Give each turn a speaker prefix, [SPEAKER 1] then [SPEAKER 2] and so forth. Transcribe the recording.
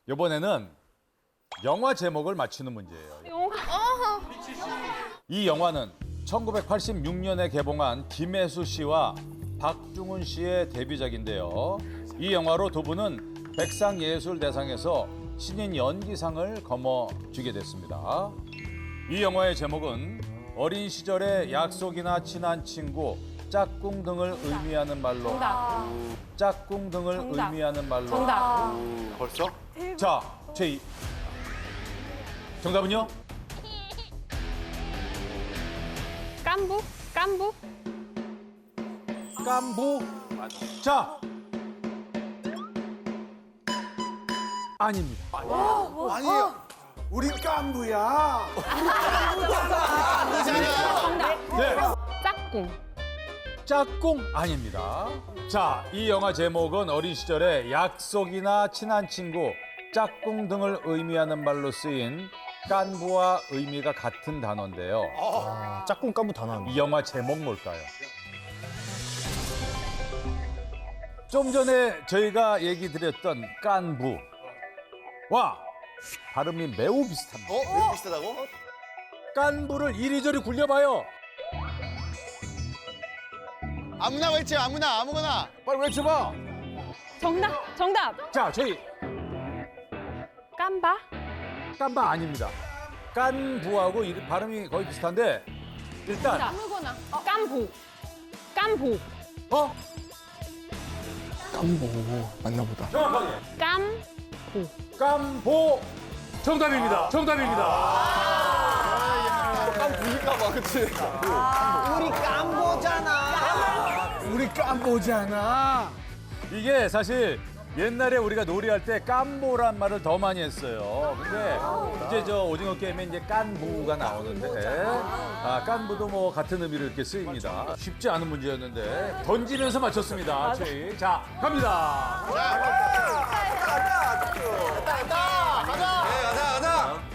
[SPEAKER 1] 이번에는 영화 제목을 맞히는 문제예요. 이 영화는 1986년에 개봉한 김혜수 씨와 박중훈 씨의 데뷔작인데요. 이 영화로 두 분은 백상예술대상에서 신인 연기상을 거머쥐게 됐습니다. 이 영화의 제목은 어린 시절의 약속이나 친한 친구, 짝꿍 등을 의미하는 말로
[SPEAKER 2] 정답.
[SPEAKER 1] 짝꿍 등을
[SPEAKER 2] 정답.
[SPEAKER 1] 의미하는 말로
[SPEAKER 2] 정답.
[SPEAKER 3] 벌써?
[SPEAKER 1] 자, 제2 정답은요?
[SPEAKER 2] 깐부? 깐부?
[SPEAKER 1] 깐부. 자, 아닙니다.
[SPEAKER 3] 아니에요. 우린 깐부야.
[SPEAKER 1] 네,
[SPEAKER 2] 짝꿍.
[SPEAKER 1] 짝꿍 아닙니다. 자, 이 영화 제목은 어린 시절에 약속이나 친한 친구, 짝꿍 등을 의미하는 말로 쓰인 깐부와 의미가 같은 단어인데요.
[SPEAKER 4] 짝꿍 깐부 다 나왔네.
[SPEAKER 1] 이 영화 제목 뭘까요? 좀 전에 저희가 얘기 드렸던 깐부와 발음이 매우 비슷합니다.
[SPEAKER 3] 왜 비슷하다고?
[SPEAKER 1] 깐부를 이리저리 굴려봐요.
[SPEAKER 3] 아무나 외쳐, 아무거나.
[SPEAKER 1] 빨리 외쳐봐.
[SPEAKER 2] 정답. 정답.
[SPEAKER 1] 자, 저희
[SPEAKER 2] 깐바?
[SPEAKER 1] 깐바 아닙니다. 깐부하고 발음이 거의 비슷한데 일단
[SPEAKER 2] 아무거나. 깐부. 깐부.
[SPEAKER 1] 어?
[SPEAKER 4] 깐부 맞나 보다.
[SPEAKER 1] 정확하게
[SPEAKER 2] 깐부.
[SPEAKER 1] 깐보 정답입니다. 정답입니다.
[SPEAKER 3] 깐부니까 봐, 그치?
[SPEAKER 4] 우리 깐부잖아.
[SPEAKER 1] 이게 사실 옛날에 우리가 놀이할 때 깐보란 말을 더 많이 했어요. 근데 이제 저 오징어 게임에 이제 깐부가 나오는데 깐부도 뭐 같은 의미로 이렇게 쓰입니다. 쉽지 않은 문제였는데 던지면서 맞췄습니다. 최희. 자, 갑니다.
[SPEAKER 3] 자,